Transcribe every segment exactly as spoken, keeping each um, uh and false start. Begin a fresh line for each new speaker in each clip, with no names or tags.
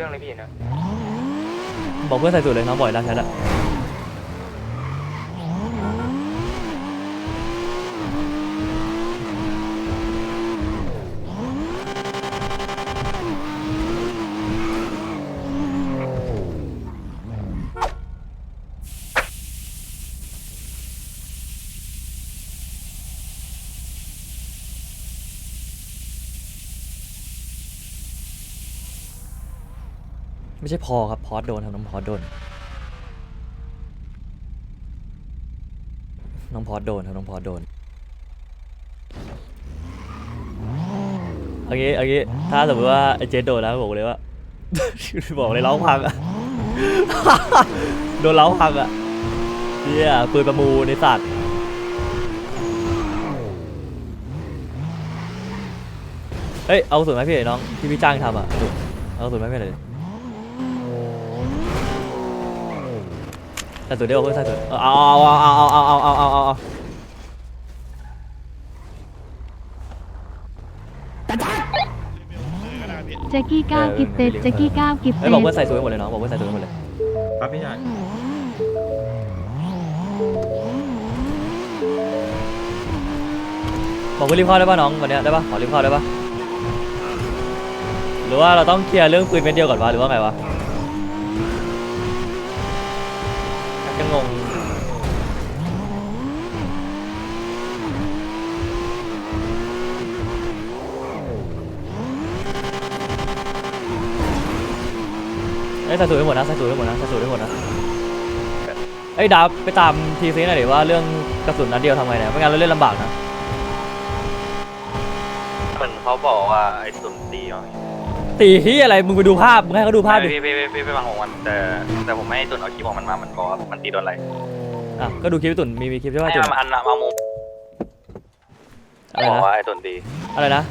รื่องเลยพี่นะ
บอกเพื่อนใส่สูตรเลยน้องบ่อยนะแชทอะไม่ใช่พอครับพอดโดนครับน้องพอดโดนน้องพอดโดนครับน้องพอดโดนเอางี้เอางี้ถ้าสมมติว่าไอ้เจสโดนนะบอกเลยว่า บอกเลยเล้าพังอะ โดนเล้าพังอะเนี่ยปืนประมูลในสัตว์เฮ้ยเอาสูตรไหมพี่น้องที่พี่จ้างทำอะสูตรเอาสูตรไหมพี่เลยใส่สูตรเดียวเพื่อนใส่สูตรเอาเอาเอาเอาเอาเอาเอาเอาเอาเอา
แจ็กกี้ก้าวกิฟเต็ดแจ็กกี้ก้าวกิฟ
เฮ้ย
เต็
บอก
ด
เพื่อนใส่สูตรให้หมดเลยน้องบอกเพื่อนใส่สูตรให้หมดเลย
ครับพี่ชาย
บอกเพื่อนรีบเข้าได้ป่ะน้องวันเนี้ยได้ป่ะขอรีบเข้าได้ป่ะหรือว่าเราต้องเคลียร์เรื่องปืนเม็ดเดียวก่อนวะหรือว่าไงวะจะงงไอ้ยใส่สูตรให้หมดนะใส่สูตรให้หมดนะใส่สูตรให้หมดนะไอ้ยดาบไปตามทีซีหน่อยดิว่าเรื่องกระสุนนัดเดียวทำไงเนี่ยไม่งั้นเราเล่นลำบากนะ
เหมือนเขาบอกว่าไอ้ตุนตีเอา
ตีที่อะไรมึงไปดูภาพมึงให้เขาดูภาพดิ
พี่พี่พี่พี่ไปฟังของมันแต่แต่ผมไม่ให้ตุนเอาคลิปของมันมามันบอกว่ามันตีโดนอะไร
อ่ะก็ดูคลิปพี่ตุ่นมีมีคลิปใช่ไหม
ให้
ตุ่น
มาอันละมามุม
อะไร
บอก
นะ
ว่าไอ้ตุนตี
อะไรนะ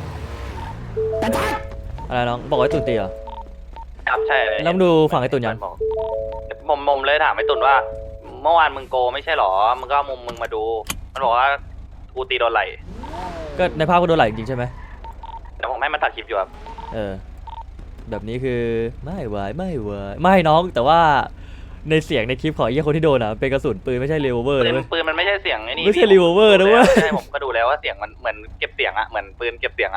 อะไรน้องบอกว่าไอ้ตุ่นตีเหรอ
ครับใช่
แล้วมึงดูฝั่งไอ้ตุ่นยัง
ผมผมเลยถามไอ้ตุนว่า เมื่อวานมึงโกไม่ใช่หรอมึงก็เอามุมมึงมาดู มันบอกว่ากูตีโดนไหล
ก็ในภาพก็โดนไหลจริงๆใช่ไหม
แต่ผมให้มันตัดคลิปอยู่ครับ
เออแบบนี้คือไม่ไหวไม่ไหวไม่น้องแต่ว่าในเสียงในคลิปของไอ้เหี้ยคนที่โดนอ่ะเป็นกระสุนปืนไม่ใช่รีโวลเวอร์
ปื
เลย
น
เว้ย
ปืนมันไม่ใช่เสียงไอ้นี่
ไม่ใช่รีโวลเวอร์นะเว้ย
ใช่ผมก็ดูแล้วว่าเสียงมันเหมือนเก็บเสียงอะเหมือนปืนเก็บเสียงอะ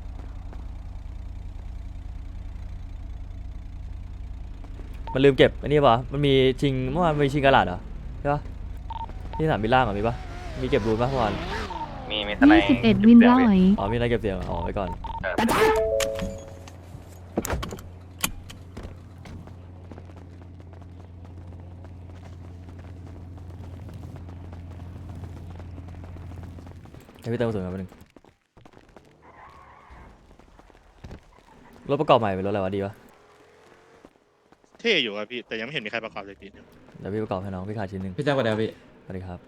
มันลืมเก็บอันนี้ป่ะมันมีชิงเมื่อวานมีชิงกระดาษเหรอใช่ปะที่สนามบินล่างเหรอมีปะมีเก็บรูนปะเมื่อวาน
มีมีทนาย
ยี่สิบเอ็ดวินร้อย
อ๋อมีอะไรเก็บเสียงเหรออ๋อไว้ก่อน
เออ
ให้พี่เติมกระสุนมาแป๊บนึงรถประกอบใหม่เป็นรถอะไรวะดีวะ
เท่อยู่ครับพี่แต่ยังไม่เห็นมีใครประกอบเลยพี่
เดี๋ยวพี่ประกอบให้น้องพี่ขาดชิ้นหนึ่ง
พี่แจ้งกว่าเดียวพี่
สวัสดีครับ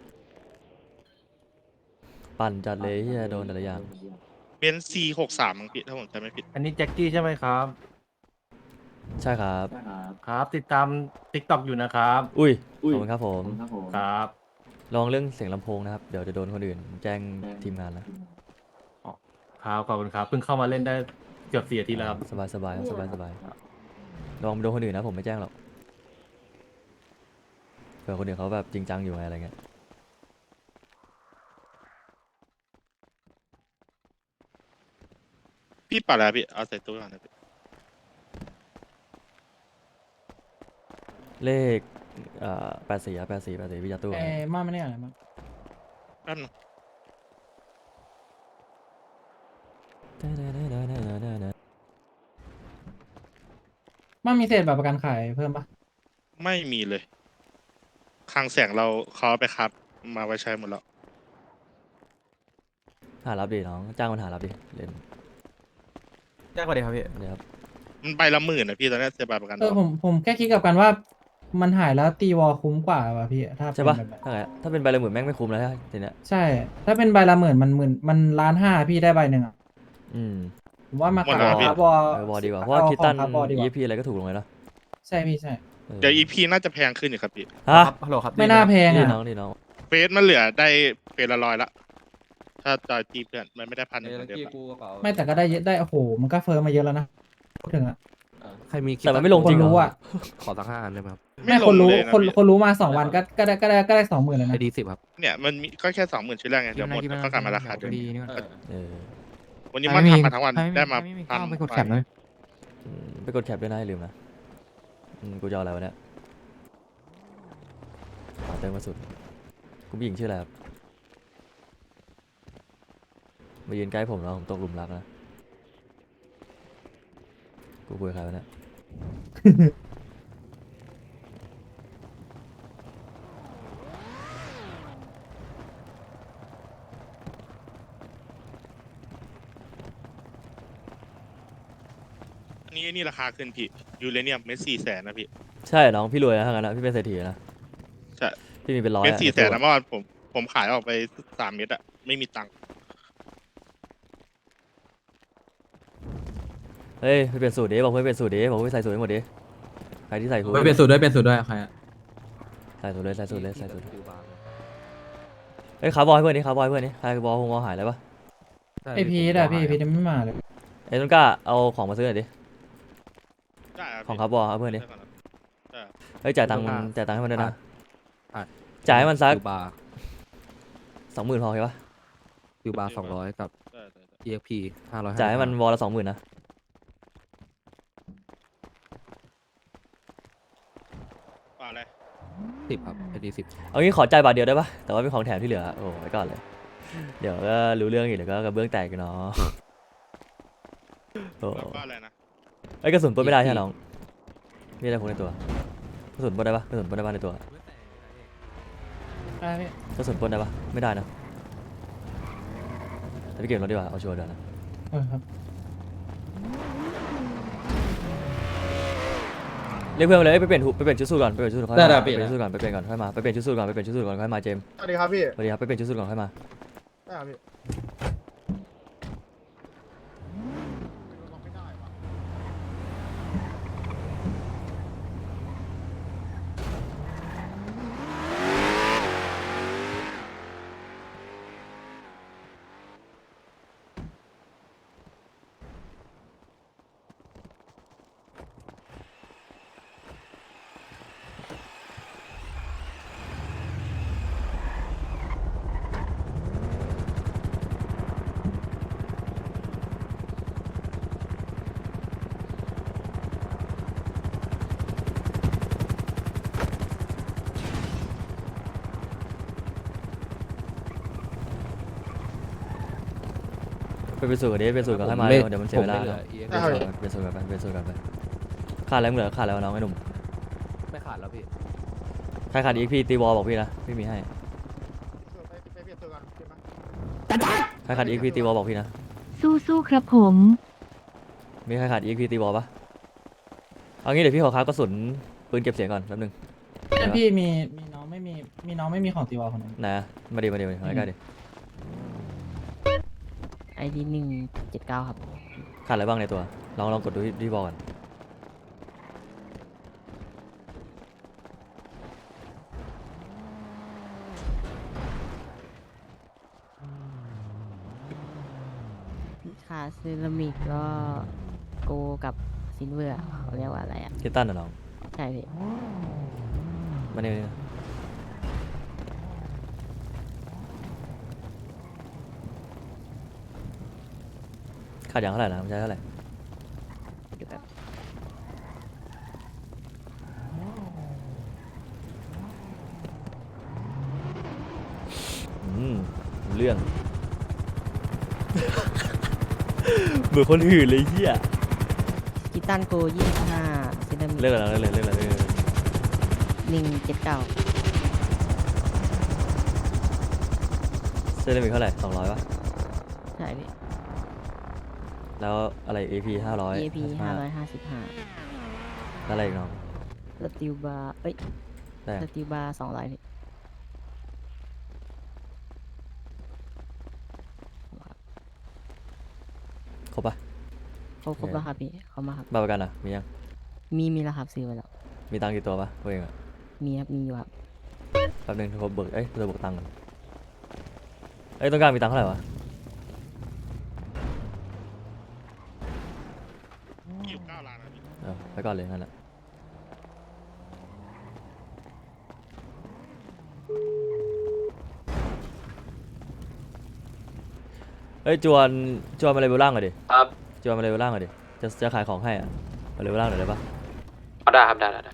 ปั่นจัดเลยที่จะโดนแต่ละอย่าง
เบนซ์ซีหกสามมั้งพี่ถ้าผมจำไม่ผิด
อันนี้แจ็คกี้ใช่ไหมครับ
ใช่ครับ
ครับ ติดตามติ๊กต็อกอยู่นะครับ
อุ้ยขอบคุณครับผม
ครับ
ลองเรื่องเสียงลำโพงนะครับเดี๋ยวจะโดนคนอื่นแจ้งทีมงานแล้ว
ครับขอบคุณครับเพิ่งเข้ามาเล่นได้เกือบสี่อาทิตย์แล้วครับ
สบายสบายครับสบายสบายลองโดนคนอื่นนะผมไม่แจ้งหรอกเผื่อคนอื่นเขาแบบจริงจังอยู่ไงอะไรเงี้ย
พี่ปัดแล้วพี่เอาใส่ตู้ก่อนนะพี่
เลขเอ่อแปดสี่แปดสี่แปดสี่วิจาตู้
เอ้ยมาไม่ได้อะไรมา
แป๊บนึง
มามีเศษแบบประกันขายเพิ่มปะ
ไม่มีเลยคลังแสงเราเขาเอาไปคัดมาไว้ใช้หมดแล้ว
หารับดิน้องจ้างคนหารับดิเล่น
แจ้งกว่าเดียวครับพี่
เดี๋ยวครับ
มันใบละหมื่นนะพี่ตอนนี้เสียใบประกัน
เออผมผมแค่คิดกับกันว่า มันหายแล้วตีวอลคุ้มกว่าว่ะพี่ถ้า
ใช่
เป็
ปะ
นแบบนั้น
ถ้าไงถ้าเป็นใบละหมื่นแม่งไม่คุ้มแล้วใช่ทีเนี้ย
ใช่ ถ้าเป็นใบละหมื่นมันหมื่นมันล้านห้าพี่ได้ใบหนึ่งอ่ะ
อืม
ผมว่ามาขายคาร์บอ
เออบอลดีกว่าเพราะว่าคิตตัน
คาร์บอดีก
อี
ว่า
พีอะไรก็ถูกลงเลยเนาะ
ใช่พี่ใช่
ออ
เดี๋ยวอีพีน่าจะแพงขึ้นอีกครับพี่
ฮะ
ฮัลโหลครับ
ไม่น่าแพง
นี่
อ่ะ
น้องนี่น้อง
เฟสมันเหลือได้เฟสละร้อยละถ้าจอยตีเพื่อนมันไม่ได้พันหนึ่งเหมือนเดิมละ
ไม่แต่ก็ได้เยอะได้โอ้โหมันก็เฟิร์มมาเยอะแล้วนะพูดถึงอ่ะ
รมี
แต่มันไม่ลง
ค
จริ
น
งเหรอ
รู้อ่ะ
ขอสักห้าอันได้ไหมครับ
ไม่คนรู้
ลงเลยะ
คน
พี่
คนรู้มาสองวันก็ก็ได้ก็ได้ก็ได้สองหมื่นเลย
ไอ
นะ
ดีสิบครับ
เนี่ยมันมีก็แค่สองหมื่นชิ้นแรกไงเดี๋ยวหมดก็กลับมาราคาเดิม
เออ
วันนี้มันทำมาทั้งวันได้มาพัน
ไปกดแคปเลย
อืมไปกดแคปด้วยนะอย่าลืมนะอืมกูจะเอาอะไรวะเนี่ยขอเติมมาสุดคุณผู้หญิงชื่ออะไรครับมายืนใกล้ผมแล้วผมตกหลุมรักนะกูคุยกับใครวะเนี่ย
อันนี้นี่ราคาขึ้นพี่ยูเรเนียมเม็ดสี่แสนนะพี่
ใช่น้องพี่รวยนะทั้งนั้นนะพี่เป็นเศรษฐีนะ
ใช่
พี่มีเป็นร้อย
เม็ด
อะ
สี่แสน
ใน
นะ
ตู้
เมื่อวานผมผมขายออกไปสามเม็ดอะไม่มีตังค์
เฮ้ยไปเปลี่ยนสูตรดิบอกเพื่อนเปลี่ยนสูตรดิบอกเพื่อนใส่สูตรให้หมดดิใครที่ใส่สูตร
ไปเปลี่ยนสูตรด้วยเปลี่ยนสูตรด้วยใครอะ
ใส่สูตรเลยใส่สูตรเลยใส่สูตรเฮ้ยขาบอยเพื่อนนี่ขาบอยเพื่อนนี่ใครบอลคงบอลหายแล้วปะ
ไอพีดอะพี่พีดยังไม่มาเลย
ไอ้ต้นกล้าเอาของมาซื้อหน่อยดิ
ได้ครับ
ของขาบอลเอาเพื่อนดิ
ได้ครับได้ครับ
เฮ้ยจ่ายตังค์มันจ่ายตังค์ให้มันด้วยนะ
อ่ะ
จ่ายให้มันสัก
คิวบาร์
สองหมื่นพอใช่ปะ
คิวบาร์สองร้อยกับ
ได้ได้ได้
เอ็กพีห้าร้อย
จ่ายให้มันวอลละสองหมื่นนะ
ว่าอะไร
สิบครับไอดีสิบ
เอางี้ขอจ่ายบาทเดียวได้ปะแต่ว่าเป็นของแถมที่เหลือโอ้ไว้ก่อนเลยเดี๋ยวก็รู้เรื่องอีกเดี๋ยวก็กระเบื้องแตกกันเนาะโอ้
ว่าอะไรนะ
ไอ้ยกระสุนปล้นไม่ได้ใช่ไหมน้องนี่ได้พกในตัวกระสุนปล้นได้ปะกระสุนปล้นได้ปะในตัว
ได้พี่
กระสุนปล้นได้ปะไม่ได้นะแต่พี่เก็บรถดีกว่าเอาชัวร์เดี๋ยวนะ
เออครับ
เรียกเพื่อนมาเลยเอ้ยไปเปลี่ยนหูไปเปลี่ยนชุดสูทก่อนไปเปลี่ยนชุดสูทก่อน
ได้ได้
ไปเปลี่ยนชุดสูทก่อนไปเปลี่ยนก่อนค่อยมาไปเปลี่ยนชุดสูทก่อนไปเปลี่ยนชุดสูทก่อนค่อยมาเจมส์
สวัสดีครับพี่
สวัสดีครับไปเปลี่ยนชุดสูทก่อนค่อยมา
ได้ครับพี่ไม่ได้วะ
ไปเปลี่ยนสูทก่อนดิไปเปลี่ยนสูทก่อนค่อยมา
ผไ
เดี๋ยวเดี๋ยวมันเสียเวลา
ผมไม่หลื
เ
อ อี เอ็กซ์
ปลี่ยนสูทก่อนไปเปลี่ยนสูทก่อนไปเปลี่ยนสูทก่อนไปขาดอะไรมึงเหลือขาดอะไรวะน้องไอ้หนุ่ม
ไม่ขาดแล้วพี่
ใครขาดอีกพี่ตีวอลบอกพี่นะพี่มีให้
ไปไปเปลี่ยนตัวก่อนใช่ไหม
ใครขาดอีกพี่ตีวอลบอกพี่นะ
สู้สู้ครับผม
มีใครขาดอีกพี่ตีวอลปะเอางี้เดี๋ยวพี่ขอค้ากระสุนปืนเก็บเสียงก่อนแป๊บนึง
พี่มีมีน้องไม่มีมีน้องไม่มีของตีวอลคนนั้น
ไหนอะมาดิมาดิมาดิมาใกล้ๆดิ
ไอดีหนึ่งเจ็ดเก้าครับ
ขาดอะไรบ้างในตัวลองลองกดดูที่ที่บอลก่อน
ค่าเซรามิกก็โกกับซิลเวอร์เขาเรียกว่าอะไรอ่ะ
คิดตันเหรอน้อง
ใช่พี่
มาเนี่ยมาเนี่ยขาดอย่างเท่าไหร่นะมันใช้เท่าไหร่
เดี๋ยวแบบ
อืมรู้เรื่อง เหมือนคนอื่นเลยเฮีย
กิตันโกยี่สิบห้าเซรามิก
เลิกแล้วเลิกเลยเลิกเลยเลิกเลย
หนึ่งเจ็ดเก้า
เซรามิกเท่าไหร่สองร้อยปะ
ใช่พี่
แล้วอะไร เอ พี ห้าร้อย
เอพีห้าร้อยห้าสิบห้า
แล้วอะไรอีกน้อง
สติลบาร์เอ้ย
ได้
สติลบาร์สองร้อยพี่
ครบปะ
ครบครบแล้วครับพี่เขามาครับ
บัตรประกันอ่ะมียัง
มีมีแล้วครับซื้อไว้แล้ว
มีตังค์กี่ตัวปะตัวเองอ่ะ
มีครับมีอยู่ครับ
แป๊บนึงโทรเบิกเอ้ยโทรเบิกตังค์ก่อนเอ้ยต้องการมีตังค์เท่าไหร่วะ
ยี่สิบเก้าล้านนะ
เออไปก่อนเลยนั่นแหละเฮ้ยจวนจวนมาเลยเวลล่างหน่อยดิ
ครับ
จวนมาเลยเวลล่างหน่อยดิจะจะขายของให้อ่ะมาเลยเวลล่างหน่อยได้ปะ
เอาได้ครับได้ได้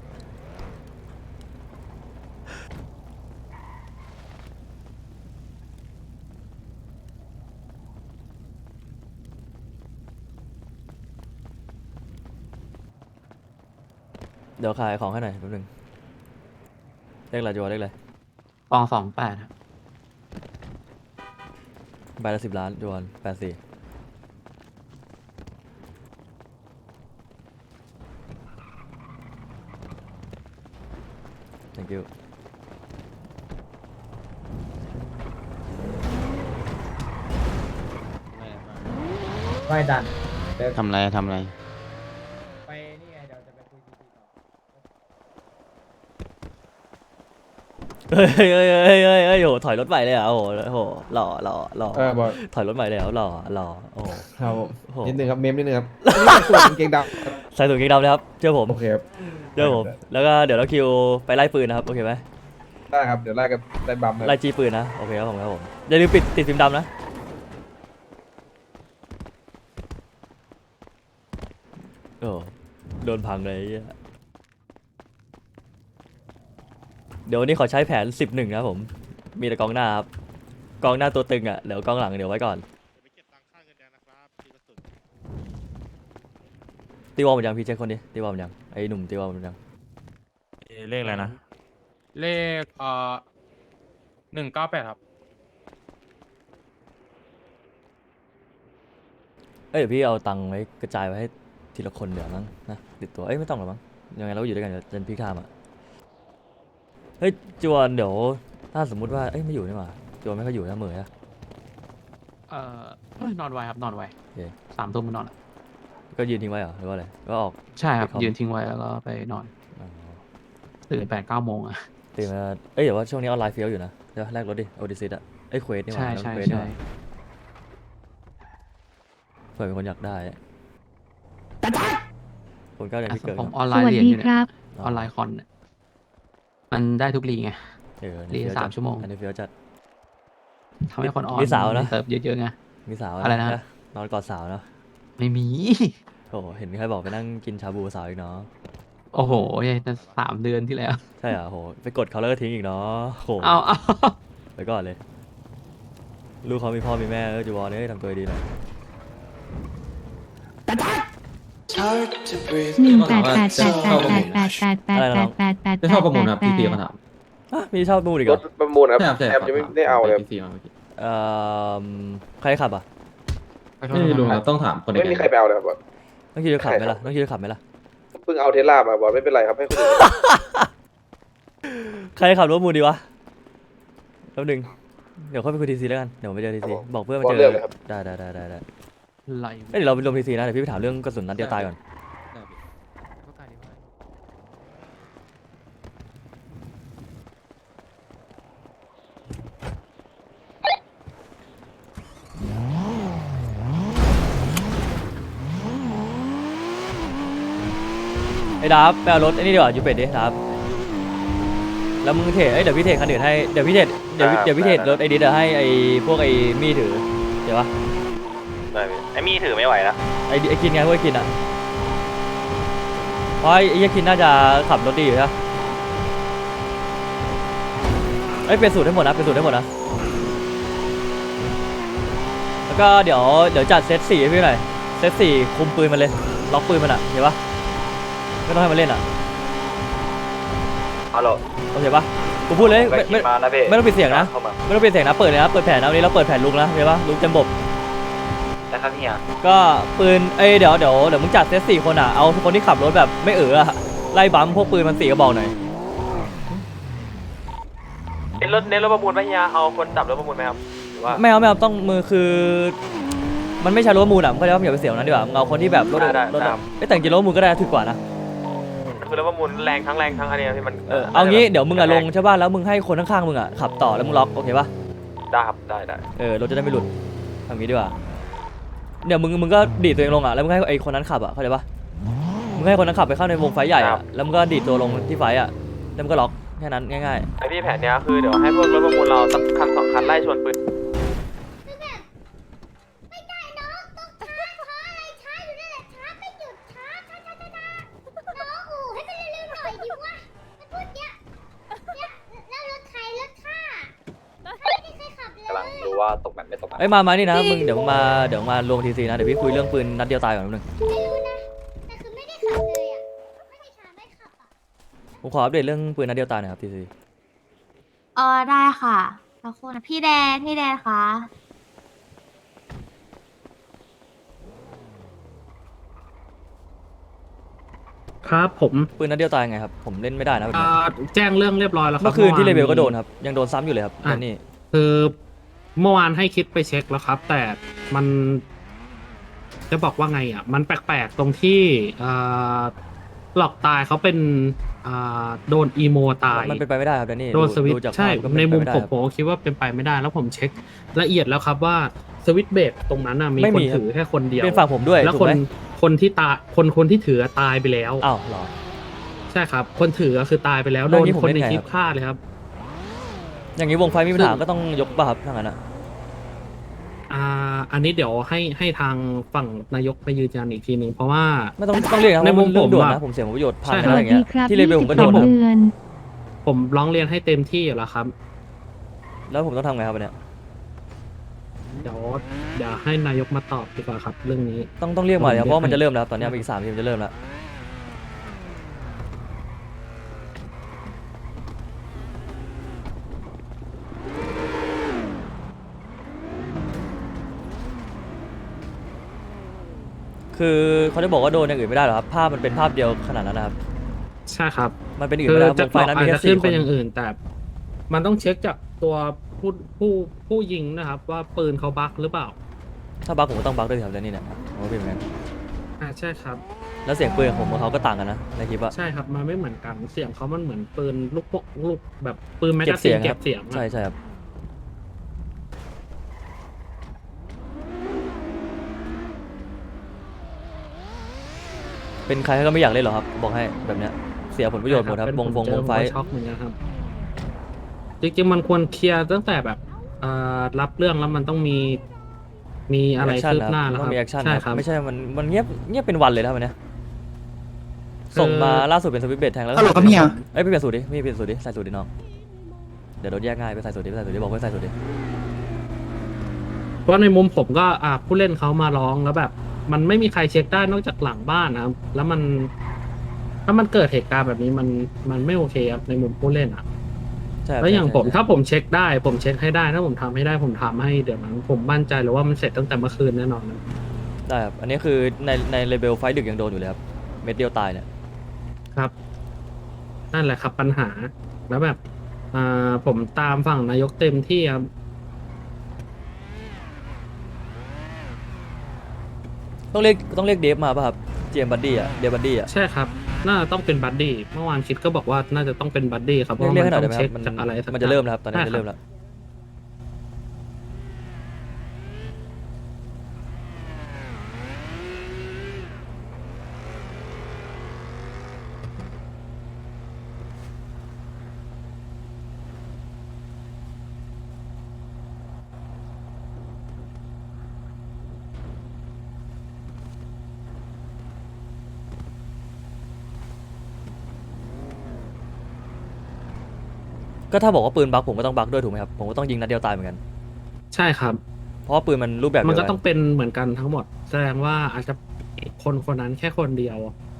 เดี๋ยวขายของให้หน่อยแป๊บนึงเลขอะไรจวนเลขอะไร
ปองสองแปด
ใบละสิบล้านจวนแปดสี่ thank you
ไม่ดัน
ทำไรทำไร
ไปนี่ไงเดี๋ยวจะไปคุยทีต่อ
เฮ้ยเฮ้ยเฮ้ยเฮ้ยเฮ้ยเฮ้ยโหถอยรถใหม่เลยเหรอ่ะโอ้โหโอ้โหหล่อหล่อหล่อ
เออบอก
ถอยรถใหม่เลยเหรอหล่อหล่อโอ้โห
ครับผม
โอ้โห
นิดนึงครับเมมนิดนึงครับอันนี้เป็นส่วนกางเกงด
ใส่ถุงเกงดำเลยครับเชื่อผม
ำโอเคครับ
เชื่อผมแล้วก็เดี๋ยวเราคิวไปไล่ปืนนะครับโอเคไหม
ได้ครับเดี๋ยวไล่กันได้บัมครับ
ไล่จีปืนนะโอเคครับผมครับผมอย่าลืมปิดติดฟิล์มดำนะโอ้โดนพังเลยไอ้เหี้ยเดี๋ยววันนี้ขอใช้แผนสิบหนึ่งนะครับผมมีแต่กองหน้าครับกองหน้าตัวตึงอ่ะเดี๋ยวกองหลังเดี๋ยวไว้ก่อน
เดี๋ยวไปเก็บตังค่าเงินแดงนะครับทีกระสุน
ตีวอลหมดยังพี่เช็คคนดิตีวอลหมดยังไอ้หนุ่มตีวอลหมดยัง
เลขอะไรนะ
เลขเอ่อหนึ่งเก้าแปดครับ
เอ้ยเดี๋ยวพี่เอาตังค์ไว้กระจายไว้ให้ทีละคนเดี๋ยวมั้งนะติดตัวเอ้ยไม่ต้องหรอกมั้งยังไงเราก็อยู่ด้วยกันเดี๋ยวเจนพี่ข้ามอ่ะเฮ้ยจวนเดี๋ยวถ้าสมมุติว่าเอ้ยไม่อยู่นี่หว่าจวนไม่ค่อยอยู่นะเหมือนะ
เอ่อนอนไวครับนอนไว
โอเค
สามทุ่มมานอน
ก็ยืนทิ้งไว้เหรอหรือว่าอะไรก็ออก
ใช่ครับ
ไปคอม
ยืนทิ้งไว้แล้วก็ไปนอน
อ๋อ
ตื่นแปดเก้าโมงอ่ะ
ตื่นมาเอ้ยเดี๋ยวว่าช่วงนี้ออนไลน์เฟี้ยวอยู่นะเดี๋ยวแลกรถดิโอดิซิตอ่ะเอ้ยเควสนี่หว่า
ใช่
ต้อง
ใช่
เควสนี่ห
ใช่
ว่าเผื่อมีคนอยากได้คนก็อย่างที่เกิด
ผม
ครับ
ออนไล
ส
น์
วัส
เรียน
ดี
อยู่
ค
เนี่ย
รับ
ออนไลน์คอนเนี่ยมันได้ทุกลีกไง
เออ
เรียน
ฟี้ว
สาม
จัด
ชั่วโมง
อันนี้เฟี้ยวจัด
ทำให้คนออน
มีสาวนะ
เติบเยอะๆไง
มีสาว
อะไรนะ
นอนกอดสาวเนาะ
ไม่มี
โอ้โหเห็นใครบอกไปนั่งกินชาบูกับสาวอีกเนาะ
โอ้โหนั่นสามเดือนที่แล้ว
ใช่เหรอโหไปกดเขาแล้วก็ทิ้งอีกเนาะโห
เอาเอา
ไปก่อนเลย ลูกเขามีพ่อมีแม่เออจูวอนเนี่ยทำตัวดีหน่อย
หนึ่งแปดแปดแปดแปดแปดแปดแปดแปดแปดแปดแปด
จะชอบประมูลครับ
แป
พี
ด
พี
แป
เขา
ด
ถาม
อ่ะมีเช่าตู้อีกเห
ร
รอ
ถประมูลครับ
ใช่ครับใช่
แอ
ครับ
มยังไม่ได้เอาเลยครับ
พีพีมาเมื่อกี้
เอ่อใครขับอ่ะ
ไม่รู้ครับต้องถามคนใน
ไม่มีใครไปเอาเลยครับบอส
ต้องคิดจะขับไหมล่ะต้องคิดจะขับไหมล่ะ
เพิ่งเอาเทสลามาบอสไม่เป็นไรครับให้คนอื่น
ใครขับรถมูลดีวะแป๊บหนึงเดี๋ยวค่อยไปคุยทีซีแล้วกันเดี๋ยวผมไปเจอทีซีบอกเพื่อนมาเจอได้ได้ได้ได้ได้
ไร
เอ้ยเดี๋ยวเราไปรวมทีซีนะเดี๋ยวพี่ไปถามเรื่องกระสุนนัดเดียวตายก่อนไอ้ดับไปเอารถไอ้นี่ดีกว่ายูเป็ดดิดับแล้วมึงเทรดเอ้ยเดี๋ยวพี่เทรดคันอื่นให้เดี๋ยวพี่เทรดเดี๋ยวเดี๋ยวพี่เทรดรถไอ้ดิเดี๋ยวให้ไอ้พวกไอ้มี่ถือเดี๋ยววะ
ได้พี่ไอ้มี่ถือไม่ไหวนะ
ไอ้ดิไอ้คินไงพวกไอ้คินอ่ะเพราะไอ้ไอ้เหี้ยคินน่าจะขับรถดีอยู่ใช่ปะเอ้ยเปลี่ยนสูตรให้หมดนะเปลี่ยนสูตรให้หมดนะแล้วก็เดี๋ยวเดี๋ยวจัดเซตสี่ให้พี่หน่อยเซตสี่คุมปืนมันเลยล็อกปืนมันอ่ะเห็นปะไม่ต้องให้มันเล่นอ่ะ
ฮัลโหล
โอเคปะกูพูดเลยไม่ไม่
มานะพี่
ไม่ต้องปิดเสียงนะ
เข้ามา
ไม่ต้องปิดเสียงนะเปิดเลยนะเปิดแผนนะวันนี้เราเปิดแผนลุกนะเห็นปะลุกเต็มบบ
นะครับเฮีย
ก็ปืนเอ้ยเดี๋ยวเดี๋ยวเดี๋ยวมึงจัดเซตสี่คนอ่ะเอาคนที่ขับรถแบบไม่เอ๋ออะไล่บัมพวกปืนมันสี่กระบอกหน่อย
เน้นรถเน้นรถประมูลไหมเฮียเอาคนจับรถประมูลไหมครับหรือว่า
ไม่เอาไม่เอาต้องมือคือ มันไม่ใช่รถมูลอ่ะมึงก็จะว่ามึงอย่าไปเสียงนั้นดีกว่ามึงเอาคนที่แบบรถ
ได้ได้
รถ
ได้
ไอ้ยแต่จริงๆรถมูลก็ได้ถูกกว่านะ
คือรถประมูลแรงทั้งแรงทั้งอันเนี้ยที่มัน
เออเอางี้เดี๋ยวมึงอะลงใช่ป่ะแล้วมึงให้คนข้างๆมึงอะขับต่อแล้วมึงล็อกโอเคป่ะ
ได้ครับได้ได้
เออรถจะได้ไม่หลุดทำงี้ดีกว่าเดี๋ยวมึงมึงก็ดีดตัวเองลงอะแล้วมึงให้ไอ้คนนั้นขับอะเข้าใจป่ะมึงให้คนนั้นขับไปเข้าในวงไฟใหญ่อะแล้วมึงก็ดีดตัวลงที่ไฟอะแล้วมึงก็ล็อกแค่นั้นง่าย
ไอพี่แผนเนี้ยคือเดี๋ยวให้พวกรถประมูลเราสักคันสองคันไล่ชนปืน
ไม่ได้น้องต้องช้าช้าอะไรช้าอยู่นั่นแหละช้าไม่หยุดช้าช้าช้าช้าช้าน้องอู่ให้มันเร็วๆหน่อยดิวะมันพูดเนี้ยเนี่ยแล้วรถใครรถข้าไม่ได้ใครขับเลย
กำลังดูว่าตกแบบไม่ตกแบบ
ๆเอ้ยมามานี่นะมึงเดี๋ยวมาเดี๋ยวมารวมทีซีนะเดี๋ยวพี่คุยเรื่องปืนนัดเดียวตายก่อนแป๊บนึง
ไม่รู้นะแต่คือไม่ได้ขับเลยอ่ะไม่ได้ช้าไม่ขับอ่ะ
ผมขออัปเดตเรื่องปืนนัดเดียวตายหน่อยครับทีซี
เออได้ค่ะสักครู่นะพี่แดนพี่แดนคะ
ครับผม
ปืนนัดเดียวตายไงครับผมเล่นไม่ได้นะแบบ
อ่า
นี้
แจ้งเรื่องเรียบร้อยแล้วครับ
เมื่อคืนที่เลเวลก็โดน
มื่อวา
ครับยังโดนซ้ำอยู่เลยครับ
อ่ะ
แค่นี่
คือเมื่อวานให้คิดไปเช็คแล้วครับ แต่มัน จะบอกว่าไงอ่ะ มันแปลกๆตรงที่อ่าหลอกตายเขาเป็นอ่าโดนอีโมตาย
มันเป็นไปไม่ได้ครับแดนนี่
โดนสวิต
ดูจาก
ใช่
ภาพก็เป็
ใน
ไป
มุม
ไได้
ผม
ครับ
ผมก็คิดว่าเป็นไปไม่ได้ แล้วผมเช็คละเอียดแล้วครับว่าสวิตช์เบรกตรงนั้นน่ะมี
ไม่
คน
มีครับ
ถือแค่คนเดียว
เป็นฝั่งผมด้วย
แล้ว
ถู
ค
ก
น
ไหม
คนที่ตายคนคนที่ถือตายไปแล้ว
อ้าวเหรอ
ใช่ครับ คนถือคือตายไปแล้ว
เรื่
โด
อง
น
นี้ผม
คน
เล่น
ใน
ไง
คลิป
ครับ
ฆ่าเลยครับ
อย่างนี้วงไฟมีปัญหา
ซึ่ง
ก็ต้องยกป่ะครับถ้างั้นอะ
อ่าอันนี้เดี๋ยวให้ให้ทางฝั่งนายกไปยืนยันอีกทีหนึ่งเพราะว่า
ไม่ต้องต้องเรียกนะ
ในมุม
เรื่องด่วน
ผมอะ
นะผมเสียผลประโยชน์พัน
ใช่
อะไรอย่างเงี้ย
ครับ
ที่เลเวลผมก็โดน
ยี่
นะ
สิบสองเดือน
ผมร้องเรียนให้เต็มที่อยู่แล้วครับ
แล้วผมต้องทำไงครับเนี่ย
เดี๋ยวเดี๋ยวให้นายกมาตอบดีกว่าครับ เรื่องนี้
ต้องต้องเรียกมาเลยครับ
ผม
เพราะว่ามัน
เรียก
จะเริ่มแล้วครับตอนนี้อีกสามทีมจะเริ่มแล้วคือเขาจะบอกว่าโดนอย่างอื่นไม่ได้หรอครับภาพมันเป็นภาพเดียวขนาดนั้นนะครับ
ใช่ครับ
มันเป็นอื่น
คื
ไม่
อ
ได้ครับ
จะ
วงไฟ
บอก
นั้น
อา
มี
จ
แค่
จะ
สี่
ขึ้น
ค
เป็น
น
อย่างอื่น แต่ มันต้องเช็คจากตัวผู้ผู้ผู้ยิงนะครับ ว่าปืนเขาบั๊กหรือเปล่า
ถ้าบักผมก็ต้องบักด้วยสิครับแดนนี่เนี่ยผมก็เป็นเหมือนกัน
อ่าใช่ครับ
แล้วเสียงปืนของผมกับเขาก็ต่างกันนะในคลิปอะ
ใช่ครับมันไม่เหมือนกันเสียงเขามันเหมือนปืนลูกโป่งลูกแบบปืนแมก
เก็
กา
บ
ซี
เสีย
น
ง
เก็
ครับ
บเสียงอะ
ใช่ใช่ครับเป็นใครก็ไม่อยากเล่นหรอกครับบอกให้แบบเนี้ยเสียผลประโยชน์หมดครับ
เป็น
วง
ผ
วง
เจ
ว
อง
ไฟ
ผมก็ช็อกเหมือนกันครับ จริงๆมันควรเคลียร์ตั้งแต่แบบเอ่อรับเรื่องแล้วมันต้องมีมีอะไร
แอคชั่นคืบครับ
หน้าแล้ว
ต้
ค
อ
รับ
งมีแอคชั่น
ใช่
ค
ครั
รับบ ไม่ใช่มันมันเงียบเงียบเป็นวันเลยนะวันเนี้ย
คือ
ส่งมาล่าสุดเป็นสวิตช์เบรดแทงแล้ว
ฮัลโหลครับเมีย
เอ้ยไปเปลี่ยนสูตรดิไม่เปลี่ยนสูตรดิใส่สูตรดิน้องเดี๋ยวโดนแยกง่ายไปใส่สูตรดิไปใส่สูตรดิบอกไปใส่สูตรดิ
เพราะในมุมผมก็อ่าผู้เล่นเขามาร้องแล้วแบบ มันไม่มีใครเช็คได้นอกจากหลังบ้านนะครับ แล้วมันถ้ามันเกิดเหตุการณ์แบบนี้มันมันไม่โอเคครับในมุมผู้เล่นอ่ะ
ใช่ครับ
แล้วอย่าง
ใช่
ผม
ใช่
ถ้าผมเช็คได้ ผมเช็คให้ได้ ถ้าผมทำให้ได้ผมทำให้เดี๋ยวมันผมมั่นใจเลยว่ามันเสร็จตั้งแต่เมื่อคืนแน่นอนนะ
ได้ครับอันนี้คือในในเลเวลไฟดึกยังโดนอยู่เลยครับเม็ดเดียวตายเนี่ย
ครับนั่นแหละครับปัญหาแล้วแบบอ่าผมตามฝั่งนายกเต็มที่ครับ
ต้องเรียกต้องเรียกเดฟมาป่ะครับเจมบัดดี้อะเดฟบัดดี้อะ
ใช่ครับ น่าจะต้องเป็นบัดดี้เมื่อวานคิดก็บอกว่าน่าจะต้องเป็นบัดดี้ครับเพ
เรีย
ราะ
ก
ว่า
เรียก
มัน
ให้หน่
ต้
อย
อง
ได้ไหมครับมัน
เช็คจากอะไรสัก
มันจะเริ่มแล้วครับตอนนี้
ใช่
จะเริ่มแล้ว ก็ถ้าบอกว่าปืนบักผมก็ต้องบักด้วยถูกไหมครับผมก็ต้องยิงนัดเดียวตายเหมือนกัน
ใช่ครับ
เพราะว่าปืนมันรูปแบบ
มัน
เดียว
ก็
กั
ต้องเป็นเหมือนกันทั้งหมด แสดงว่าอาจจะคนคนนั้นแค่คนเดียว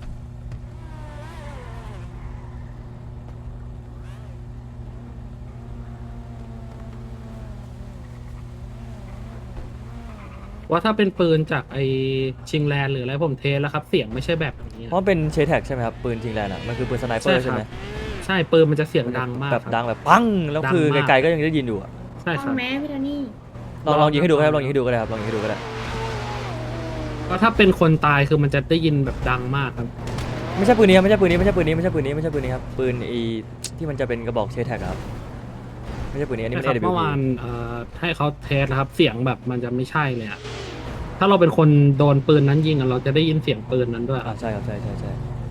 ว่าถ้าเป็นปืนจากไอชิงแลนหรืออะไรผมเทสแล้วครับ เสียงไม่ใช่แบบนี้
เพราะเป็นเชแท็กใช่ไหมครับปืนชิงแลนด์อะมันคือปืนสไนเปอ
ใช่
ร์
ค
ใช่
รับ
ไหม
ใช่ปืนมันจะเสียงดังมาก
แบบ
ครับ
ดังแบบปังแล้ว
ดัง
คือ
มาก
ไกลๆก็ยังได้ยินอยู่อะ
ใช่ครับ
แม้พี่โทนี่
ลองลองยิงให้ดูก็ได้ครับลองยิงให้ดูก็ได้ครับลองยิงให้ดูก็ได้
ก็ถ้าเป็นคนตายคือมันจะได้ยินแบบดังมากครับ
ไม่ใช่ปืนนี้ครับไม่ใช่ปืนนี้ไม่ใช่ปืนนี้ไม่ใช่ปืนนี้ไม่ใช่ปืนนี้ครับปืนอีที่มันจะเป็นกระบอกเชแท็กครับไม่ใช่ปืนนี้อันนี้
นะ
ไม่
ครั
ใช่
บ
เดบิว
เมื่อวานเอ่อให้เขาเทสนะครับ เสียงแบบมันจะไม่ใช่เลยอะถ้าเราเป็นคนโดนปืนนั้นยิงอะเราจะได้ยินเสียงปืนนั้นด้วย
อ่าใช่ครับใช่ใช่ใช่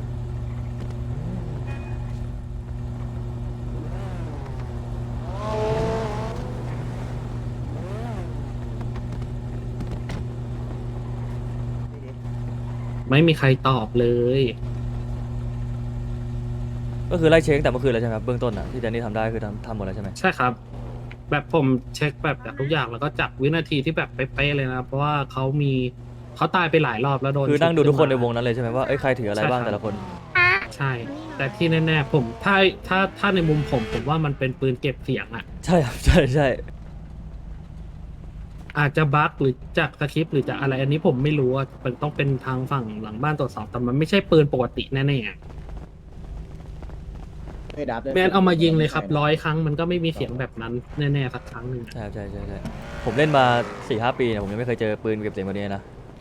ไม่มีใครตอบเลย
ก็คือไล่เช็คตั้งแต่เมื่อคืนแล้วใช่ไหมครับเบื้องต้นอ่ะที่แดนนี่ทำได้คือทำทำหมดแล้วใช่ไหม
ใช่ครับ แบบผมเช็คแบบจากทุกอย่างแล้วก็จับวินาทีที่แบบเป๊ะๆเลยนะ เพราะว่าเขามีเขาตายไปหลายรอบแล้วโดน
คือนั่งดูทุกคนในวง
ชุบ
นั้นเลยใช่ไหมว่าเอ้ยใครถืออะไรบ้างแต่ละคน
ใช่ แต่ที่แน่ๆผมถ้าถ้าถ้าในมุมผมผมว่ามันเป็นปืนเก็บเสียงอะ
ใช่ครับใช่ใช่
อาจจะบั๊กหรือจากสคริปต์หรือจากอะไรอันนี้ผมไม่รู้ว่ามันต้องเป็นทางฝั่งหลังบ้านตรวจสอบแต่มันไม่ใช่ปืนปกติแน่ๆอะแมนเอามายิงเลยครับร้อยครั้งมันก็ไม่มีเสียงแบบนั้นแน่ๆสักครั้งหนึ่ง
ใช่ครับใช่ใช่ใช่ผมเล่นมาสี่ห้าปีเนี่ยผมยังไม่เคยเจอปืนเก็บเสียงแบบนี้นะ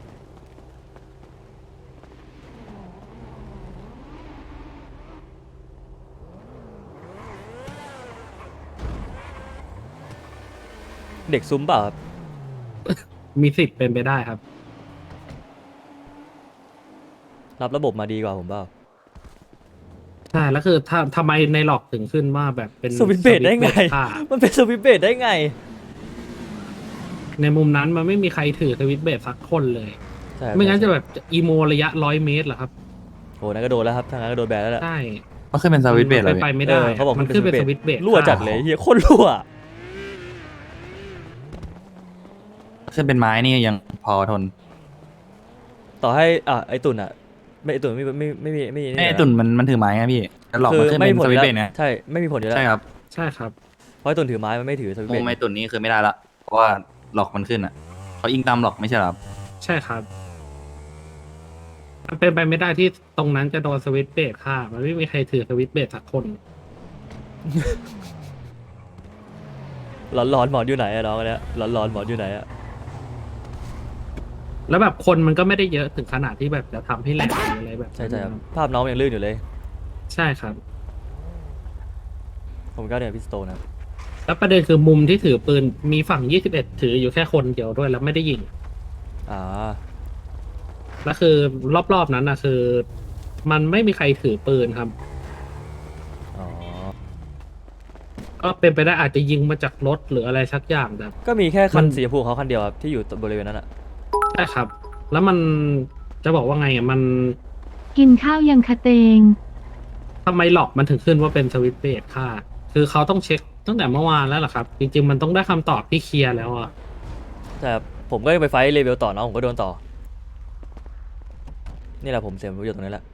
เด็กซุ้มเปล่าครับ
มีสิทธิ์เป็นไปได้ครับ
รับระบบมาดีกว่าผมเปล่า
ใช่แล้วคือถ้าทำไมในหลอกถึงขึ้นว่าแบบเป็น
สวิตช์เบสได้ไง
สวิตช์เบสฆ่า
มันเป็นสวิตช์เบสได้ไง
ในมุมนั้นมันไม่มีใครถือสวิตช์เบสสักคนเลย
ใช่ครับ
ไม่งั้นจะแบบอีโมระยะร้อยเมตรเหรอครับ
โอ้นั่นก็โดนแล้วครับทางนั้นก็โดนแบนแล้วแหละ
ใช่
มันขึ้นเป็นสวิตช์เบสเหรอ
ไป
พี่
ไปไม่ได้
เออเขาบอก
มันขึ้นเป็นสวิตช์เบส
รั่วจัดเลยเฮียโคตรรั่ว
ขึ้นเป็นไม้นี่ยังพอทน
ต่อให้อ่ะไอตุ่นอ่ะไม่ไอตุ่นไม่ไม่ไม่มีไม่มี
ไอ้ตุ่นมันมันถือไม้ไงพี่แล้วหลอก
คื
มันขึ้น
ไม่
เป็น
มีผ
ส
ล
วิตช์
แล้
เบ
ว
สไง
ใช่ไม่มีผลอยู่แล้ว
ใช่ครับ
ใช่ครับ
เพราะไอตุ่นถือไม้มันไม่ถือสวิตช์
มุ
เบ
ม
ส
ไอ้ตุ่นนี่คือไม่ได้ละเพราะว่าหลอกมันขึ้นอ่ะเขาอิงตามหลอกไม่ใช่เหรอครับ
ใช่ครับ มันเป็นไปไม่ได้ที่ตรงนั้นจะโดนสวิตช์เบสฆ่ามันไม่มีใครถือสวิตช์เบสสักคน
ร้อนร้อนๆหมอนอยู่ไหนอะน้องอันเนี้ยร้อนร้อนๆหมอนอยู่ไหนอะ
แล้วแบบคนมันก็ไม่ได้เยอะถึงขนาดที่แบบจะทำให้แหลกหรืออะไรแบบ
ใช่
นั้น
ใช่ครับ
นะครับ
ภาพน้องยังลื่นอยู่เลย
ใช่ครับ
ผมก็เนี่ยพิสโตนะครับ
แล้วประเด็นคือมุมที่ถือปืนมีฝั่งยี่สิบเอ็ดถืออยู่แค่คนเดียวด้วยแล้วไม่ได้ยิง
อ่า
แล้วคือรอบๆนั้นนะคือ มันไม่มีใครถือปืนครับ
อ๋อ
ก็เป็นไปได้อาจจะยิงมาจากรถหรืออะไรสักอย่างแต่
ก็มีแค่คั
มัน น
สีชมพูของเขาคันเดียวครับที่อยู่บริเวณนั้นอะ
ใช่ครับ แล้วมันจะบอกว่าไงอ่ะมัน
กินข้าวยังคะเตง
ทำไมหลอกมันถึงขึ้นว่าเป็นสวิตช์เบสค่าคือเขาต้องเช็คตั้งแต่เมื่อวานแล้วล่ะครับ จริงๆมันต้องได้คำตอบที่เคลียร์แล้วอ่ะ
ใช่ครับผมก็ไปไฟท์เลเวลต่อน้องผมก็โดนต่อ นี่แหละผมเสียประโยชน์ตรงนี้แหละ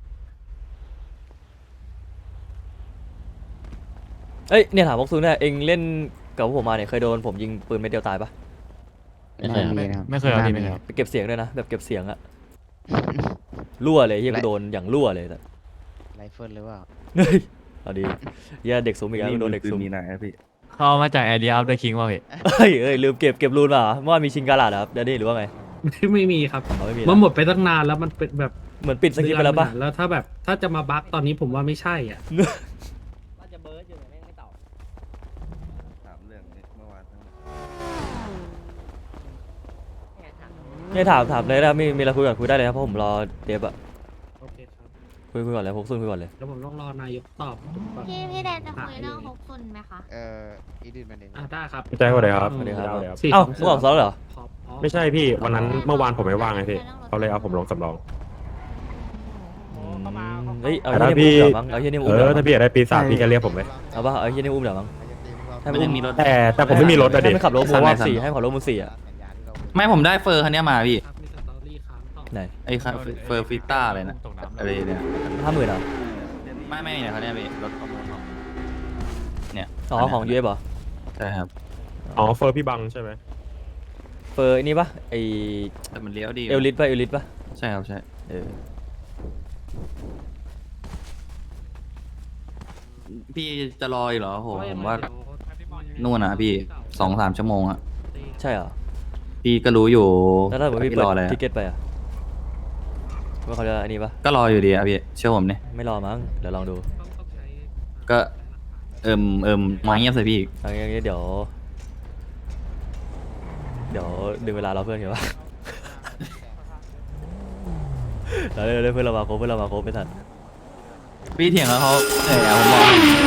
เอ้ยเนี่ยถามพวกซูเนี่ยเองเล่นกับพวกผมมาเนี่ยเคยโดนผมยิงปืนเม็ดเดียวตายปะ
ไม่เคยไม่เคยครับพี่ไม่เคยครับ
ไปเก็บเสียงด้วยนะแบบเก็บเสียงอะรั่วเลยเฮียกูโดนอย่างรั่วเลยแต่
ไรเฟิลหรือเปล่า
เฮ้ยเอาดีเฮียเด็กสูงอีกแล้วกูโดนเด็กสูง
มีไหนครับพี่
เข้ามาจากไอเดียอัพเดอะคิงว่ะพี่
เฮ้ยเอ้ยลืมเก็บเก็บรูนมาเหรอเมื่อวานมีชิงกาลาดเหรอครับเดี๋ยวนี้หรือว่าไง
ไม่ไม่มีครับ
อ๋อไม่มี
มัน
นะ
หมดไปตั้งนานแล้วมันเป็นแบบ
เหมือนปิดสกิปไปแล้วปะ
เดือนหนึ่งอแล้วถ้าแบบถ้าจะมาบั๊กตอนนี้ผมว่าไม่ใช่อ่ะ
ถามเรื่องนี้เมื่อวานทั้ง
เนี่ยถามถามเลยนะมีมีอะไรคุยก่อนคุยได้เลยนะเพราะผมรอเดฟอะ
โอเคครับ
คุยคุยก่อนเลยพวกซุนคุยก่อนเลย
แล้วผมต้องรอนายกตอบผมก่อน
พี่พี่แดนจะคุยเรื่องฮกซุนไหมคะ
เอ่ออีดินมันเอง
อ่ะได้ครับ
แจ้งว่าอะไรครับ
สวัสดีครับ
สี่
เอ้า
สง
มึงออกซ้อมเหรอ
ขอบอ๋อ
ไม่ใช่พี่วันนั้นเมื่อวานผมไม่ว่างไงพี่เขาเลยเอาผมลงสำรอง
เฮ้ยเอา
แต่
เฮีย
ถ้า
นี่
พี่
อุ้มเดี๋ยวมั้งเอาเฮียนี่อุ้มเดี๋ยว
เออถ้า
มั้ง
พี่อยากได้ปีศาจพี่ก็เรียกผมเลย
เอาปะเอาเฮียนี่อุ้มเดี๋ยวมั้งให้
มันยังมีรถ
แต่แต่ผมไม่มีรถอะ
ให้
ดิ
มันขับรถมู
สั่น
ว่า
ไหนสั่น
สี่ให้มันขับรถมูสี่อะ
ไม่ผมได้เฟอร์คันเนี้ยมาพี่
ครับมีสตอรี่ค้างต่อ
ไหน
ไอ้คันเฟอร์ฟิต้าอะไรนะอะไรเนี่ย
ห้าหมื่นอ่ะ
ไม่ไม่เนี่ยเขาเนี่ยพี่รถประมูลของเนี่ย
อ๋อของยูเอฟเหรอ
ใช่ครับ
อ๋อเฟอร์พี่บังใช่ไหม
เฟอร์ไอ้นี่ปะไอ
แต่มันเลี้ยวดี
เอลลิสปะเอลลิสปะ
ใช่ครับใช่
เออ
พี่จะรออีกเหรอโหผมว่านู่นนะพี่สองสามชั่วโมงอะ
ใช่เหรอ
พี่ก็รู้อยู่
แล้วถ้าผมพี่
พี่
เปิด
รออะไร
ทิเก็ตไปอ่ะว่าเขาจะอันนี้ปะ
ก็รออยู่ดีอะพี่เชื่อผมเนี่ย
ไม่รอมั้งเดี๋ยวลองดู
ต้องต้องใช้
ก็เอิมเอิมมาเงียบใส่พี่อีก
เอาอย่างงี้เดี๋ยว เดี๋ยวดึงเวลาเราเพื่อนเห็นปะเราเล่นเพื่อนเรามาครบเพื่อนเรามาครบไม่ทัน
พี่เถียงกับเขาเออผมบอก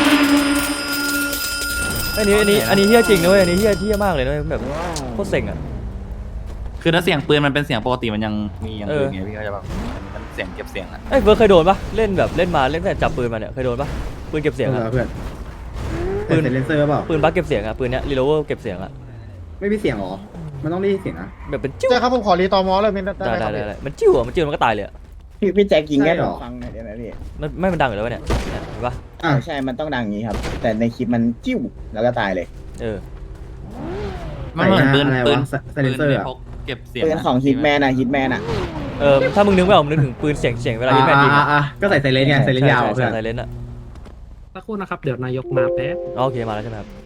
อันนี้อันนี้อันนี้เฮี้ยจริงนะเว้ยอันนี้เฮี้ยเฮี้ยมากเลยนะเว้ยแบบโคตรเซ็งอ่ะ
คือถ้าเสียงปืนมันเป็นเสียงปกติมันยังมีอย่างอื่น
เออ
ไงพี่เขาใจะแบบมันเสียงเก็บเสียงอะ
ไอ้ยเฟิร์สเคยโดนปะเล่นแบบเล่นมาเล่นแต่จับปืนมาเนี่ยเคยโดนปะปืนเก็บเสียงอะ
เพื่อน
ปืน
เลนเซอร์เปล่า
ปืนบัคเก็บเสียงอะปืนเนี้ยรีโลเวอร์เก็บเสียงอะ
ไม่มีเสียงหรอ มันต้องได้ยินเสียงนะ
แบบเป็นจิ้ว
ใช่ครับผมขอรีตอมอเลยไม่ได้
ได้
ได้
ได้
ครับ
ได้ได้มันจิ้วอะมันจิ้วมันก็ตายเลยอะ
พี่พี่แจ็คยิงแค่หรอฟังหน่อยได้ไหมพี่
มันไม่มันดังอยู่แล้ววะเนี่ยเนี่ยเห็นปะ
อ่าใช่ มันต้องดังอย่างนี้ครับ แต่ในคลิปมันจิ้วแล้วก็ตายเลย
เออ
มันเหมือนปืน
อะไรวะ
ปืน
ไซเลนเซอร์
ปืน
อะ
ในพกเก็บเสียง
ปืนของฮิตแมนอะฮิตแมนอะ
เออถ้ามึงนึกไม่ออกมึงนึกถึงปืนเสียงเสียงเวลาที่แมนยิงอะ
ก็ใส่ไซเลนไงไซเลนยาว
ใช่
เพื่อน
ใช่ไซเลนอะ
สักครู่นะครับ เดี๋ยวนายกมาแป๊บ
อ๋อโอเคมาแล้วใช่ไหมครับ